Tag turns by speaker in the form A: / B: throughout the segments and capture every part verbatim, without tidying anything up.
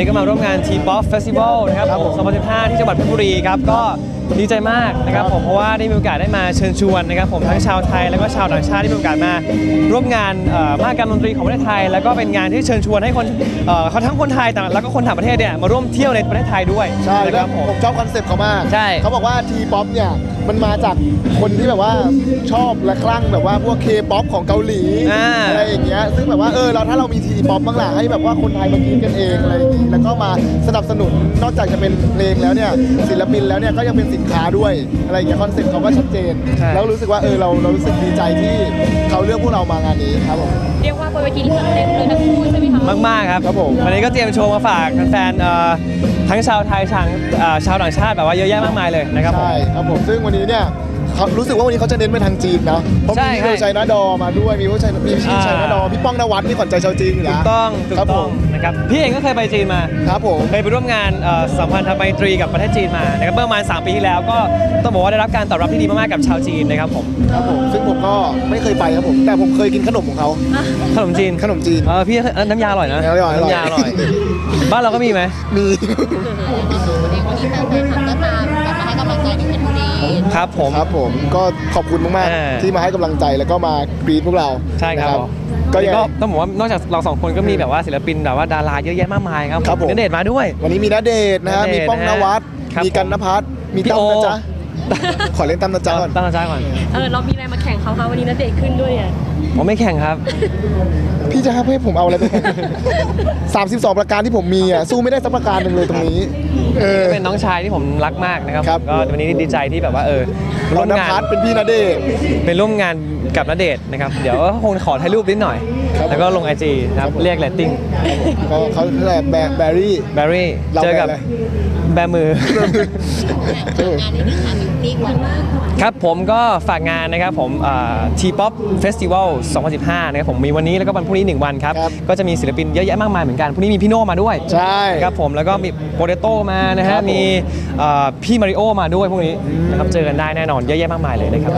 A: นี้ก็มาร่วมงาน T-ป๊อป Festival นะครับผมสองพันสิบห้าที่จังหวัดเพชรบุรีครับก็ดีใจมากนะครับผมเพราะว่าได้มีโอกาสได้มาเชิญชวนนะครับผมทั้งชาวไทยแล้วก็ชาวต่างชาติที่มีโอกาสมาร่วมงานมหกรรมดนตรีของประเทศไทยแล้วก็เป็นงานที่เชิญชวนให้คนเขาทั้งคนไทยแล้วก็คนต่างประเทศเนี่ยมาร่วมเที่ยวในประเทศไทยด้วย
B: ใช่แล้วผมชอบคอนเซ็ปต์เขามาก
A: ใช่
B: เขาบอกว่า T-ป๊อป เนี่ยมันมาจากคนที่แบบว่าชอบและคลั่งแบบว่าพวก K-ป๊อป ของเกาหลีอะไรอย่างเงี้ยซึ่งแบบว่าเออเราถ้าเรามี T-ป๊อป บ้างล่ะให้แบบว่าคนไทยมากินกันเองอะไรอย่างงี้แล้วก็มาสนับสนุนนอกจากจะเป็นเพลงแล้วเนี่ยศิลปินแล้วเนี่ยก็ยังเป็นสินค้าด้วยอะไรอย่างเงี้ยคอนเซ็ปต์เขาก็ชัดเจนแล้วรู้สึกว่าเออเราเรารู้สึกดีใจที่เขาเลือกพวกเรามางานนี้ครับผม
C: เรียกว่าบนเวทีนี้จัดเต็มเลยทั้งคู่ใช่ไหมคะ
A: มากๆครับ
B: ครับผม
A: วันนี้ก็เตรียมโชว์มาฝากแฟนๆทั้งชาวไทยชาวชาวต่างชาติแบบว่าเยอะแยะมากมายเลยนะครับ
B: ใช่ครับผมซึ่งวันนี้เนี่ยเขารู้สึกว่าวันนี้เขาจะเน้นไปทางจีนนะเพราะมีพี่ชัยนาดอมาด้วยมีผู้ชัยมีพี่ชัยนาดอพี่ป้องนวัดนี่ขวัญใจชาวจีนอยู่นะ
A: ถูกต้องถูกต้องนะครับพี่เองก็เคยไปจีนมา
B: ครับผม
A: เคยไปร่วมงานสัมพันธไมตรีกับประเทศจีนมานะครับเมื่อประมาณสามปีที่แล้วก็ต้องบอกว่าได้รับการตอบรับที่ดีมากๆกับชาวจีนนะครับผม
B: ครับผมซึ่งผมก็ไม่เคยไปครับผมแต่ผมเคยกินขนมของเขา
A: ขนมจีน
B: ขนมจีน
A: เออพี่น้ำยาอร่อยนะน้ำยาอร่อยบ้านเราก็มีไหม
B: มี
C: วันนี้วันนี้แฟนๆก็ตามกลับมาให้กำลังใจที่เพชรบุรี
A: ครับผม
B: ครับผมก็ขอบคุณมากๆที่มาให้กำลังใจแล้วก็มากรีดพวกเรา
A: ใช่ครับก็ต้องบอกว่านอกจากเราสองคนก็มีแบบว่าศิลปินแบบว่าดาราเยอะแยะมากมายครับณเดชน์มาด้วย
B: วันนี้มีณเดชน์นะฮะมีป้องนวัดมีกันณภัทรมีตั้มนะจ๊ะขอเล่นตั้มนะจ๊ะก่อน
A: ตั้มนะจ๊ะก่อน
C: เออเรามีอะไรมาแข่งเขาคะวันนี้ณเดชน์ขึ้นด้วยเนี่ย
A: ผมไม่แข่งครับ
B: พี่จะให้ผมเอาอะไรไปแข่งสามสิบสองประการที่ผมมีอ่ะสู้ไม่ได้สักประการหนึ่งเลยตรงนี้
A: เป็นน้องชายที่ผมรักมากนะครับก็วันนี้ดีใจที่แบบว่าเออ
B: ร่วมงานเป็นพี่ณเดชน์
A: เป็นร่วมงานกับณเดชน์นะครับเดี๋ยวคงขอถ่ายรูปนิดหน่อยแล้วก็ลงไอจีครับเรียกเรตติ้ง
B: ก็เขาเรียกแบร์รี่
A: แบร์รี่เจอกับแบมือครับผมก็ฝากงานนะครับผม T-ป๊อป Festival สองพันสิบห้านะครับผมมีวันนี้แล้วก็วันพรุ่งนี้หนึ่งวันครับก็จะมีศิลปินเยอะแยะมากมายเหมือนกันพรุ่งนี้มีพี่โน่มาด้วย
B: ใช่
A: ครับผมแล้วก็มีโปเตโต้มานะฮะมีพี่มาริโอมาด้วยพวกนี้นะครับเจอกันได้แน่นอนเยอะแยะมากมายเลยนะครับ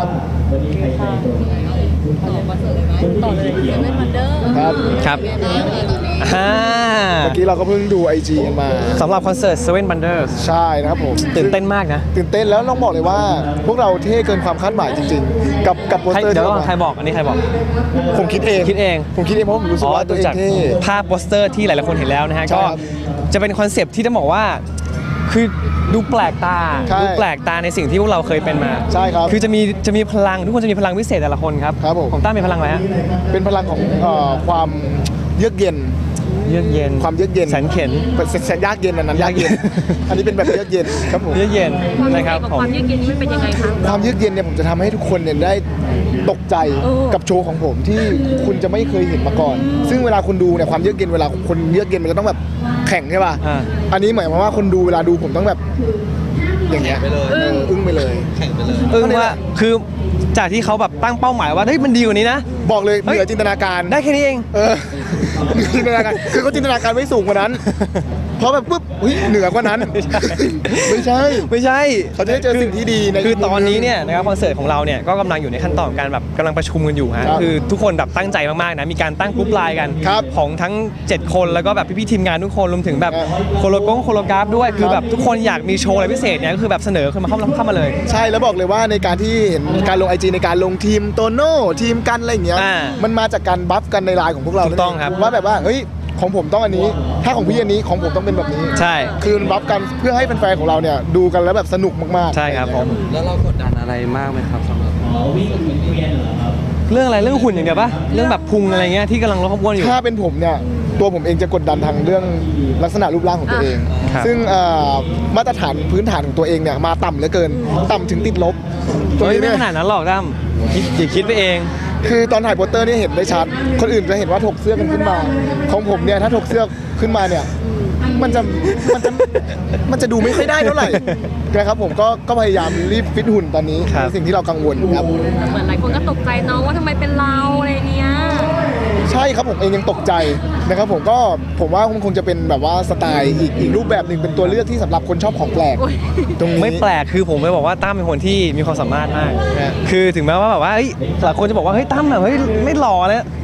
C: ต่อเลยเซเว่นวันเดอร์
B: ครับ
A: ครับเ
B: มื่อกี้เราก็เพิ่งดู ไอ จี กันมา
A: สำหรับคอนเสิร์ต Seven Wonders
B: ใช่นะครับผม
A: ตื่นเต้นมากนะ
B: ตื่นเต้นแล้วต้องบอกเลยว่าพวกเราเท่เกินความคาดหมายจริงๆกับกับโปสเตอร์
A: เดี๋ยวใครบอกอันนี้ใครบอก
B: ผมคิดเอง
A: คิดเอง
B: ผมคิดเองเพราะผมรู้สึกว่าตัวเองเท่
A: ภาพโปสเตอร์ที่หลายๆคนเห็นแล้วนะฮะก็จะเป็นคอนเซปต์ที่ต้องบอกว่าคือดูแปลกตาดูแปลกตาในสิ่งที่พวกเราเคยเป็นมา
B: ใช่ครับ
A: คือจะมีจะมีพลังทุกคนจะมีพลังพิเศษแต่ละคนครับ
B: ครับผม
A: ของต้ามีพลังอะไรฮะ
B: เป็นพลังของความเยือกเย็น
A: เยือกเย็น
B: ความเยือกเย็น
A: แสนเข็น
B: แสนยากเย็นอันนั้นยากเย็นอันนี้เป็นแบบเยือกเย็นครับผม
A: เยือกเย็นนะครับ
C: ความเยือกเย็นนี่มันเป็นยังไงคะ
B: ความเยือกเย็นเนี่ยผมจะทำให้ทุกคนเนี่ยได้ตกใจกับโชว์ของผมที่คุณจะไม่เคยเห็นมาก่อนซึ่งเวลาคุณดูเนี่ยความเยือกเย็นเวลาคนเยือกเย็นมันจะต้องแบบแข่งใช่ป่ะอันนี้หมายความว่าคนดูเวลาดูผมต้องแบบอย่างเงี้ยอึ้งไปเลย
A: แข่งไปเลยอึ้งว่าคือจากที่เขาแบบตั้งเป้าหมายว่าเฮ้ยมันดีกว่านี้นะ
B: บอกเลยเหนือจินตนาการ
A: ได้แค่นี้เอง
B: เออจินตนาการคือเขาจินตนาการไว้สูงกว่านั้นเพราะแบบปุ๊บเหนือกว่านั้นไม่ใช่
A: ไม่ใช่
B: เขาจะได้เจอสิ่งที่ดีใน
A: คือตอนนี้เนี่ยนะครับคอนเสิร์ตของเราเนี่ยก็กำลังอยู่ในขั้นตอนการแบบกำลังประชุมกันอยู่ฮะคือทุกคนแบบตั้งใจมากๆนะมีการตั้งกรุ๊ปไลน์กันของทั้งเจ็ดคนแล้วก็แบบพี่ๆทีมงานทุกคนรวมถึงแบบโคโลกงโคโลกราฟด้วยคือแบบทุกคนอยากมีโชว์อะไรพิเศษเนี่ยก็คือแบบเสนอขึ้นมาเข้าเข้ามาเลย
B: ใช่แล้วบอกเลยว่าในการที่เห็นการลง ไอ จี ในการลงทีมโตโน่ทีมกันอะไรอย่างเงี้ยมันมาจากการบัฟกันในไลน์ของพวกเรา
A: ถูกต้องครับ
B: ว่าแบบว่าเฮ้ยของผมต้องอันนี้ถ้าของพี่อันนี้ของผมต้องเป็นแบบนี้
A: ใช่
B: คือบัฟกันเพื่อให้แฟนๆของเราเนี่ยดูกันแล้วแบบสนุกมาก
A: ๆใช่ครับผม
D: แล้วเรากดดันอะไรมากไหมครับสำหรับ
A: เรื่องอะไรเรื่องหุ่นอย่างเดียวปะเรื่องแบบพุงอะไรเงี้ยที่กำลังลดความอ้วนอยู่
B: ถ้าเป็นผมเนี่ยตัวผมเองจะกดดันทางเรื่องลักษณะรูปร่างของตัวเองซึ่งมาตรฐานพื้นฐานของตัวเองเนี่ยมาต่ำเหลือเกินต่ำถึงติดลบ
A: ตัวนี้ไม่ขนาดนั้นหรอกตั้มอย่าคิดไปเอง
B: คือตอนถ่ายโปสเตอร์นี่เห็นได้ชัดคนอื่นจะเห็นว่าถกเสื้อกันขึ้นมาของผมเนี่ยถ้าถกเสื้อขึ้นมาเนี่ยมันจะมันจะมันจะดูไม่ค่อยได้เท่าไหร่นะครับผมก็ก็พยายามรีบฟิตหุ่นตอนนี้เป็นสิ่งที่เรากังวลครับ
C: เหมือนหลายคนก็ตกใจน้องว่าทำไมเป็นเราอะไรเนี้ย
B: ใช่ครับผมเองยังตกใจนะครับผมก็ผมว่าคงจะเป็นแบบว่าสไตล์อีกอีกรูปแบบหนึ่งเป็นตัวเลือกที่สำหรับคนชอบของแปลก
A: ตรงนี้ไม่แปลกคือผมไปบอกว่าตั้มเป็นคนที่มีความสามารถมากคือถึงแม้ว่าแบบว่าหลายคนจะบอกว่าเฮ้ยตั้มแบบเฮ้ยไม่หล่อเลย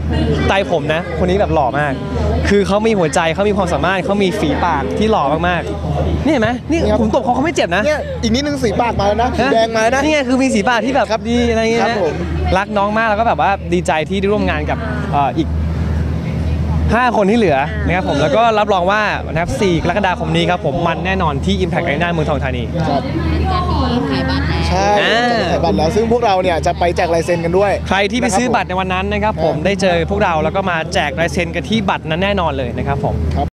A: ใจผมนะ คนนี้แบบหล่อมาก คือเขามีหัวใจเขามีความสามารถเขามีฝีปากที่หล่อมากๆนี่เห็นไหมนี่ผมตบเขาเขาไม่เจ็บนะ
B: เนี่ยอีกนิดนึงสีปากมาแล้วนะสีแดงมาแล้วนะ
A: นี่ไงคือมีสีปากที่แบบ
B: ครับ
A: ดีอะไรเงี้ย
B: ครับ
A: นะ
B: ผม
A: รักน้องมากแล้วก็แบบว่าดีใจที่ได้ร่วมงานกับเอ่ออีกห้าคนที่เหลือนะครับผมแล้วก็รับรองว่านะครับสี่กรกฎาคมนี้ครับผมมันแน่นอนที่ Impact Arena เมืองทองธานี
B: ครับ
C: การมีขายบัตรแล้ว
B: ใช่
A: อ่า
B: จะขายบัตรแล้วซึ่งพวกเราเนี่ยจะไปแจกลายเซ็นกันด้วย
A: ใครที่ไปซื้อบัตรในวันนั้นนะครับผมได้เจอพวกเราแล้วก็มาแจกลายเซ็นกันที่บัตรนั้นแน่นอนเลยนะครับผม
B: ครับ